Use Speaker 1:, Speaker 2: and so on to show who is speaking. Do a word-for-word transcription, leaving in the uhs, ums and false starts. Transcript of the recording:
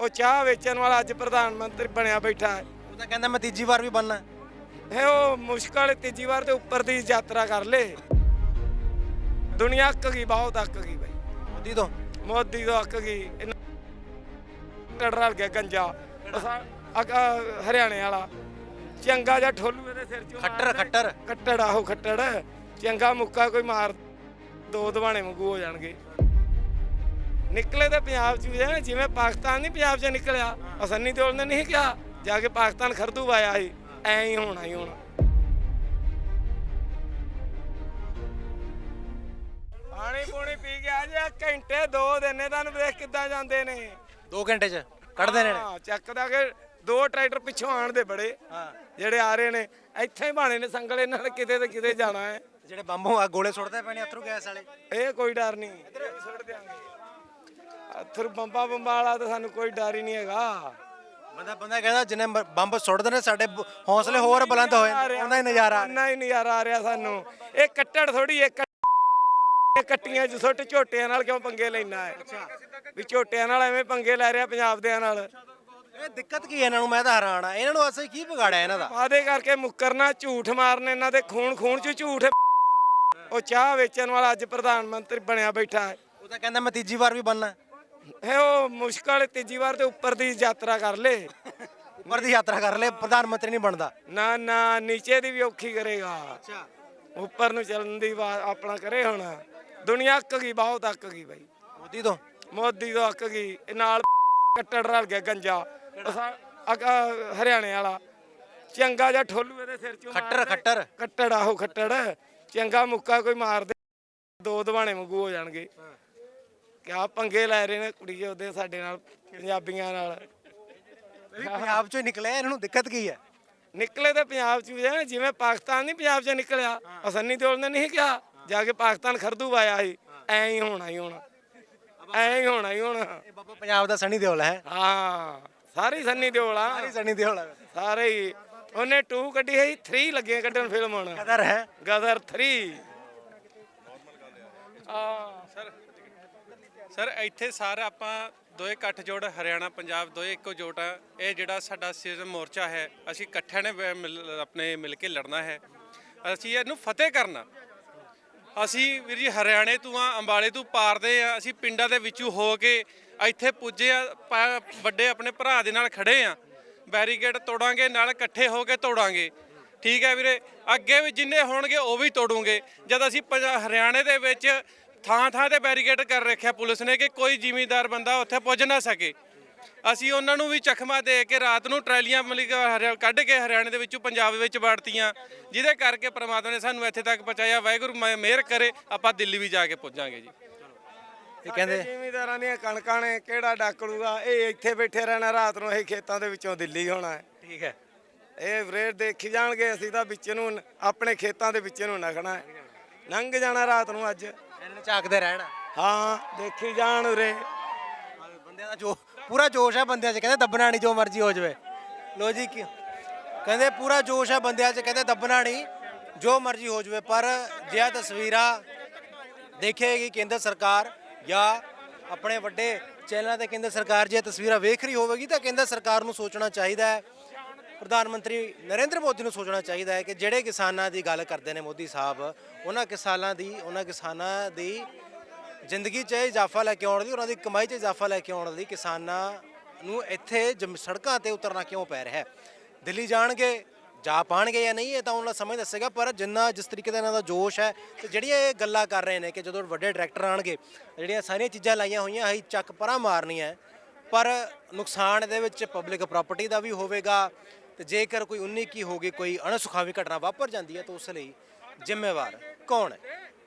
Speaker 1: ਉਹ ਚਾਹ ਵੇਚਣ ਵਾਲਾ ਅੱਜ ਪ੍ਰਧਾਨ ਮੰਤਰੀ ਬਣਿਆ ਬੈਠਾ ਹੈ।
Speaker 2: ਉਹ ਤਾਂ ਕਹਿੰਦਾ ਮੈਂ ਤੀਜੀ ਵਾਰ ਵੀ ਬਣਨਾ।
Speaker 1: ਇਹ ਉਹ ਮੁਸ਼ਕਲ ਤੀਜੀ ਵਾਰ ਤੇ ਉੱਪਰ ਦੀ ਯਾਤਰਾ ਕਰ ਲੇ। ਦੁਨੀਆ ਅੱਕ ਗਈ, ਬਹੁਤ ਅੱਕ ਗਈ ਬਾਈ
Speaker 2: ਮੋਦੀ ਤੋਂ।
Speaker 1: ਮੋਦੀ ਤੋਂ ਅੱਕ ਗਈ। ਟੜ ਰਲ ਗਿਆ ਗੰਜਾ ਹਰਿਆਣੇ ਵਾਲਾ ਚੰਗਾ ਜਿਹਾ ਠੋਲੂ ਇਹਦੇ ਸਿਰ ਚੋਂ
Speaker 2: ਖੱਟਰ ਖੱਟਰ
Speaker 1: ਕੱਟੜ ਆਹੋ ਖੱਟੜ ਚੰਗਾ ਮੁੱਕਾ ਕੋਈ ਮਾਰ ਦੋ ਦਵਾਣੇ ਵਾਂਗੂ ਹੋ ਜਾਣਗੇ। ਨਿਕਲੇ ਤੇ ਪੰਜਾਬ ਚ ਵੀ ਜਿਵੇਂ ਪਾਕਿਸਤਾਨ ਨਹੀਂ ਪੰਜਾਬ ਚ ਨਿਕਲਿਆ। ਅਸੰਨੀ ਦਿਓਲ ਨੇ ਨਹੀਂ ਕਿਹਾ ਜਾ ਕੇ ਪਾਕਿਸਤਾਨ ਖਰਦੂ ਪਾਇਆ ਸੀ, ਐਂ ਹੀ ਹੋਣਾ ਹੀ ਹੋਣਾ। ਪਾਣੀ ਪੂਣੀ ਪੀ ਗਿਆ ਜੀ ਘੰਟੇ ਦੋ ਦਿਨ ਤੁਹਾਨੂੰ ਵੇਖ ਕਿੱਦਾਂ ਜਾਂਦੇ ਨੇ।
Speaker 2: ਦੋ ਘੰਟੇ ਚ ਕੱਢਦੇ ਨੇ।
Speaker 1: ਹਾਂ ਚੱਕਦਾ ਕਿ ਦੋ ਟਰੈਕਟਰ ਪਿੱਛੋਂ ਆਣ ਦੇ ਬੜੇ ਜਿਹੜੇ ਆ ਰਹੇ ਨੇ ਇੱਥੇ ਹੀ ਬਾਣੇ ਨੇ ਸੰਗਲ ਇਹਨਾਂ ਨੇ ਕਿਤੇ ਤੇ ਕਿਤੇ ਜਾਣਾ ਹੈ।
Speaker 2: ਜਿਹੜੇ ਬੰਬੋਂ ਆ ਗੋਲੇ ਸੁੱਟਦੇ ਪਏ ਨੇ ਅਥਰੂ ਗੈਸ ਵਾਲੇ।
Speaker 1: ਇਹ ਕੋਈ ਡਰ ਨਹੀਂ, ਸੁੱਟ ਦਿਆਂਗੇ ਅਥਰੂ ਬੰਬਾ ਬੰਬਾ ਵਾਲਾ ਤਾਂ ਸਾਨੂੰ ਕੋਈ ਡਰ ਹੀ ਨਹੀਂ ਹੈਗਾ।
Speaker 2: ਬੰਦਾ ਬੰਦਾ ਕਹਿੰਦਾ ਜਿੰਨੇ ਬੰਬ ਸੁੱਟਦੇ ਨੇ ਸਾਡੇ ਹੌਸਲੇ ਹੋਰ ਬੁਲੰਦ ਹੋਏ ਉਹਨਾਂ ਹੀ ਨਜ਼ਾਰਾ
Speaker 1: ਉਹਨਾਂ ਹੀ ਨਜ਼ਾਰਾ ਆ ਰਿਹਾ ਸਾਨੂੰ। ਇਹ ਕੱਟੜ ਥੋੜੀ ਇੱਕ ਕੱਟੀਆਂ ਚ ਸੁੱਟ ਝੋਟਿਆਂ ਨਾਲ ਕਿਉਂ ਪੰਗੇ ਲੈਣਾ ਹੈ ਵੀ ਝੋਟਿਆਂ ਨਾਲ ਐਵੇਂ ਪੰਗੇ ਲੈ ਰਿਹਾ ਪੰਜਾਬ ਦਿਆਂ ਨਾਲ।
Speaker 2: ਇਹ ਦਿੱਕਤ ਕੀ ਹੈ ਇਹਨਾਂ ਨੂੰ? ਮੈਂ ਤਾਂ ਹੈਰਾਨ ਆ ਇਹਨਾਂ ਨੂੰ ਅਸਲ ਕੀ ਵਿਗਾੜਿਆ ਇਹਨਾਂ ਦਾ।
Speaker 1: ਵਾਅਦੇ ਕਰਕੇ ਮੁੱਕਰਨਾ, ਝੂਠ ਮਾਰਨੇ, ਇਹਨਾਂ ਦੇ ਖੂਨ ਖੂਨ ਚ ਝੂਠ। ਉਹ ਚਾਹ ਵੇਚਣ ਵਾਲਾ ਅੱਜ ਪ੍ਰਧਾਨ ਮੰਤਰੀ ਬਣਿਆ ਬੈਠਾ ਹੈ।
Speaker 2: ਉਹ ਤਾਂ ਕਹਿੰਦਾ ਮੈਂ ਤੀਜੀ ਵਾਰ ਵੀ ਬਣਨਾ।
Speaker 1: ਇਹ ਉਹ ਮੁਸ਼ਕਲ ਤੀਜੀ ਵਾਰ ਤੇ ਉੱਪਰ ਦੀ ਯਾਤਰਾ ਕਰ ਲੇ।
Speaker 2: ਉੱਪਰ ਦੀ ਯਾਤਰਾ ਕਰ ਲੈ, ਪ੍ਰਧਾਨ ਮੰਤਰੀ ਨਹੀਂ ਬਣਦਾ।
Speaker 1: ਨਾ ਨਾ ਨੀਚੇ ਦੀ ਵੀ ਔਖੀ ਕਰੇਗਾ।
Speaker 2: ਅੱਛਾ
Speaker 1: ਉੱਪਰ ਨੂੰ ਚੱਲਣ ਦੀ ਆਪਣਾ ਕਰੇ। ਹੁਣ ਦੁਨੀਆ ਅੱਕ ਗਈ, ਬਹੁਤ ਅੱਕ ਗਈ ਬਾਈ
Speaker 2: ਮੋਦੀ ਤੋਂ।
Speaker 1: ਮੋਦੀ ਤੋਂ ਅੱਕ ਗਈ। ਇਹ ਨਾਲ ਕੱਟੜ ਰਲ ਗਿਆ ਗੰਜਾ ਹਰਿਆਣੇ ਵਾਲਾ ਚੰਗਾ ਜਿਹਾ ਠੋਲੂ ਇਹਦੇ ਸਿਰ ਚੋਂ
Speaker 2: ਖੱਟਰ ਖੱਟਰ
Speaker 1: ਕੱਟੜ ਆਹੋ ਖੱਟੜ ਚੰਗਾ ਮੁੱਕਾ ਕੋਈ ਮਾਰ ਦੇ ਦੋ ਦਵਾਣੇ ਵਾਂਗੂ ਹੋ ਜਾਣਗੇ। ਕਿਆ ਪੰਗੇ ਲੈ ਰਹੇ ਨੇ ਕੁੜੀ ਉਹਦੇ ਸਾਡੇ ਨਾਲ ਪੰਜਾਬੀਆਂ ਨਾਲ।
Speaker 2: ਪੰਜਾਬ ਚੋਂ ਨਿਕਲਿਆ, ਇਹਨਾਂ ਨੂੰ ਦਿੱਕਤ ਕੀ ਹੈ?
Speaker 1: ਨਿਕਲੇ ਤੇ ਪੰਜਾਬ ਚ ਵੀ ਜਿਵੇਂ ਪਾਕਿਸਤਾਨ ਨਹੀਂ ਪੰਜਾਬ ਚ ਨਿਕਲਿਆ। ਅਸੰਨੀ ਦਿਓਲ ਨੇ ਨਹੀਂ ਕਿਹਾ ਜਾ ਕੇ ਪਾਕਿਸਤਾਨ ਖਰਦੂ ਪਾਇਆ ਸੀ, ਐਂ ਹੀ ਹੋਣਾ ਹੀ ਹੋਣਾ, ਐਂ ਹੀ ਹੋਣਾ ਹੀ ਹੋਣਾ।
Speaker 2: ਇਹ ਬਾਬਾ ਪੰਜਾਬ ਦਾ ਸਣੀ ਦਿਓਲ ਹੈ।
Speaker 1: ਹਾਂ ਸਾਰੀ ਸੰਨੀ ਦਿਓਲ ਆ,
Speaker 2: ਸਾਰੀ ਸਣੀ ਦਿਓਲ ਹੈ
Speaker 1: ਸਾਰੇ ਹੀ। ਉਹਨੇ ਟੂ ਕੱਢੀ ਹੈ, ਥਰੀ ਲੱਗੇ ਕੱਢਣ ਫਿਲਮ ਹੁਣ।
Speaker 2: ਕਦਰ ਹੈ
Speaker 1: ਗਦਰ ਥਰੀ। ਹਾਂ
Speaker 3: ਸਰ ਸਰ ਇੱਥੇ ਸਾਰਾ ਆਪਾਂ ਦੋਏ ਇਕੱਠ ਜੋੜ ਹਰਿਆਣਾ ਪੰਜਾਬ ਦੋਏ ਇੱਕੋ ਜੋਟ ਆ। ਇਹ ਜਿਹੜਾ ਸਾਡਾ ਸਿਰ ਮੋਰਚਾ ਹੈ ਅਸੀਂ ਇਕੱਠਿਆਂ ਨੇ ਮਿਲ- ਆਪਣੇ ਮਿਲ ਕੇ ਲੜਨਾ ਹੈ। ਅਸੀਂ ਇਹਨੂੰ ਫਤਿਹ ਕਰਨਾ। ਅਸੀਂ ਵੀਰ ਜੀ ਹਰਿਆਣੇ ਤੋਂ ਆ, ਅੰਬਾਲੇ ਤੋਂ ਪਾਰਦੇ ਆ। ਅਸੀਂ ਪਿੰਡਾਂ ਦੇ ਵਿੱਚੋਂ ਹੋ ਕੇ ਇੱਥੇ ਪੁੱਜੇ ਆ, ਵੱਡੇ ਆਪਣੇ ਭਰਾ ਦੇ ਨਾਲ ਖੜੇ ਆ। ਬੈਰੀਕੇਡ ਤੋੜਾਂਗੇ, ਨਾਲ ਇਕੱਠੇ ਹੋ ਕੇ ਤੋੜਾਂਗੇ। ਠੀਕ ਹੈ ਵੀਰੇ, ਅੱਗੇ ਵੀ ਜਿੰਨੇ ਹੋਣਗੇ ਉਹ ਵੀ ਤੋੜੂਗੇ। ਜਦ ਅਸੀਂ ਹਰਿਆਣੇ ਦੇ ਵਿੱਚ ਥਾਂ ਥਾਂ ਤੇ ਬੈਰੀਕੇਡ ਕਰ ਰੱਖਿਆ ਪੁਲਿਸ ਨੇ ਕਿ ਕੋਈ ਜ਼ਿਮੀਂਦਾਰ ਬੰਦਾ ਉੱਥੇ ਪੁੱਜ ਨਾ ਸਕੇ। ਅਸੀਂ ਉਹਨਾਂ ਨੂੰ ਵੀ ਚਖਮਾ ਦੇ ਕੇ ਰਾਤ ਨੂੰ ਟਰੈਲੀਆਂ ਮਤਲਬ ਕੱਢ ਕੇ ਹਰਿਆਣੇ ਦੇ ਵਿੱਚੋਂ ਪੰਜਾਬ ਵਿੱਚ ਵੜਤੀਆਂ, ਜਿਹਦੇ ਕਰਕੇ ਪ੍ਰਮਾਤਮਾ ਨੇ ਸਾਨੂੰ ਇੱਥੇ ਤੱਕ ਪਹੁੰਚਾਇਆ। ਵਾਹਿਗੁਰੂ ਮਿਹਰ ਕਰੇ ਆਪਾਂ ਦਿੱਲੀ ਵੀ ਜਾ ਕੇ ਪੁੱਜਾਂਗੇ ਜੀ।
Speaker 2: ਇਹ ਕਹਿੰਦੇ
Speaker 1: ਜ਼ਿਮੀਂਦਾਰਾਂ ਦੀਆਂ ਕਣਕਾਂ ਨੇ ਕਿਹੜਾ ਡੱਕ ਲੂਗਾ। ਇਹ ਇੱਥੇ ਬੈਠੇ ਰਹਿਣਾ, ਰਾਤ ਨੂੰ ਇਹ ਖੇਤਾਂ ਦੇ ਵਿੱਚੋਂ ਦਿੱਲੀ ਹੋਣਾ ਹੈ।
Speaker 2: ਠੀਕ ਹੈ,
Speaker 1: ਇਹ ਰੇਟ ਦੇਖੀ ਜਾਣਗੇ। ਅਸੀਂ ਤਾਂ ਵਿੱਚ ਨੂੰ ਆਪਣੇ ਖੇਤਾਂ ਦੇ ਵਿੱਚ ਨੂੰ ਨਖਣਾ ਹੈ, ਲੰਘ ਜਾਣਾ ਰਾਤ ਨੂੰ ਅੱਜ।
Speaker 2: ਇਹਨਾਂ ਨੇ ਝਾਕਦੇ ਰਹਿਣਾ।
Speaker 1: ਹਾਂ ਦੇਖੀ ਜਾਣ ਉਰੇ
Speaker 2: ਬੰਦਿਆਂ ਦਾ ਜੋ ਪੂਰਾ ਜੋਸ਼ ਹੈ ਬੰਦਿਆਂ 'ਚ, ਕਹਿੰਦੇ ਦੱਬਣਾ ਨਹੀਂ, ਜੋ ਮਰਜ਼ੀ ਹੋ ਜਾਵੇ। ਲੋ ਜੀ ਕੀ ਕਹਿੰਦੇ ਪੂਰਾ ਜੋਸ਼ ਹੈ ਬੰਦਿਆਂ 'ਚ, ਕਹਿੰਦੇ ਦੱਬਣਾ ਨਹੀਂ, ਜੋ ਮਰਜ਼ੀ ਹੋ ਜਾਵੇ। ਪਰ ਜੇ ਇਹ ਤਸਵੀਰਾਂ ਦੇਖੇਗੀ ਕੇਂਦਰ ਸਰਕਾਰ ਜਾਂ ਆਪਣੇ ਵੱਡੇ ਚੈਨਲਾਂ ਤੇ ਕੇਂਦਰ ਸਰਕਾਰ ਜੇ ਤਸਵੀਰਾਂ ਵੇਖ ਰਹੀ ਹੋਵੇਗੀ ਤਾਂ ਕੇਂਦਰ ਸਰਕਾਰ ਨੂੰ ਸੋਚਣਾ ਚਾਹੀਦਾ ਹੈ, ਪ੍ਰਧਾਨ ਮੰਤਰੀ ਨਰਿੰਦਰ ਮੋਦੀ ਨੂੰ ਸੋਚਣਾ ਚਾਹੀਦਾ ਹੈ ਕਿ ਜਿਹੜੇ ਕਿਸਾਨਾਂ ਦੀ ਗੱਲ ਕਰਦੇ ਨੇ ਮੋਦੀ ਸਾਹਿਬ, ਉਹਨਾਂ ਕਿਸਾਨਾਂ ਦੀ ਉਹਨਾਂ ਕਿਸਾਨਾਂ ਦੀ ਜ਼ਿੰਦਗੀ 'ਚ ਇਜ਼ਾਫਾ ਲੈ ਕੇ ਆਉਣ ਲਈ, ਉਹਨਾਂ ਦੀ ਕਮਾਈ 'ਚ ਇਜ਼ਾਫਾ ਲੈ ਕੇ ਆਉਣ ਲਈ ਕਿਸਾਨਾਂ ਨੂੰ ਇੱਥੇ ਜਮ ਸੜਕਾਂ 'ਤੇ ਉਤਰਨਾ ਕਿਉਂ ਪੈ ਰਿਹਾ ਹੈ। ਦਿੱਲੀ ਜਾਣਗੇ, ਜਾ ਪਾਣਗੇ ਜਾਂ ਨਹੀਂ, ਇਹ ਤਾਂ ਉਹਨਾਂ ਦਾ ਸਮਝ ਦੱਸੇਗਾ। ਪਰ ਜਿੰਨਾ ਜਿਸ ਤਰੀਕੇ ਦਾ ਇਹਨਾਂ ਦਾ ਜੋਸ਼ ਹੈ ਤੇ ਜਿਹੜੀਆਂ ਇਹ ਗੱਲਾਂ ਕਰ ਰਹੇ ਨੇ ਕਿ ਜਦੋਂ ਵੱਡੇ ਡਾਇਰੈਕਟਰ ਆਣਗੇ, ਜਿਹੜੀਆਂ ਸਾਰੀਆਂ ਚੀਜ਼ਾਂ ਲਾਈਆਂ ਹੋਈਆਂ ਅਸੀਂ ਚੱਕ ਪਰਾਂ ਮਾਰਨੀਆਂ, ਪਰ ਨੁਕਸਾਨ ਇਹਦੇ ਵਿੱਚ ਪਬਲਿਕ ਪ੍ਰਾਪਰਟੀ ਦਾ ਵੀ ਹੋਵੇਗਾ। ਤੇ ਜੇਕਰ ਕੋਈ ਉਨੀ ਕੀ ਹੋ ਗਈ, ਕੋਈ ਅਣਸੁਖਾਵੀ ਘਟਨਾ ਵਾਪਰ ਜਾਂਦੀ ਹੈ ਤਾਂ ਉਸ ਲਈ ਜ਼ਿੰਮੇਵਾਰ ਕੌਣ ਹੈ?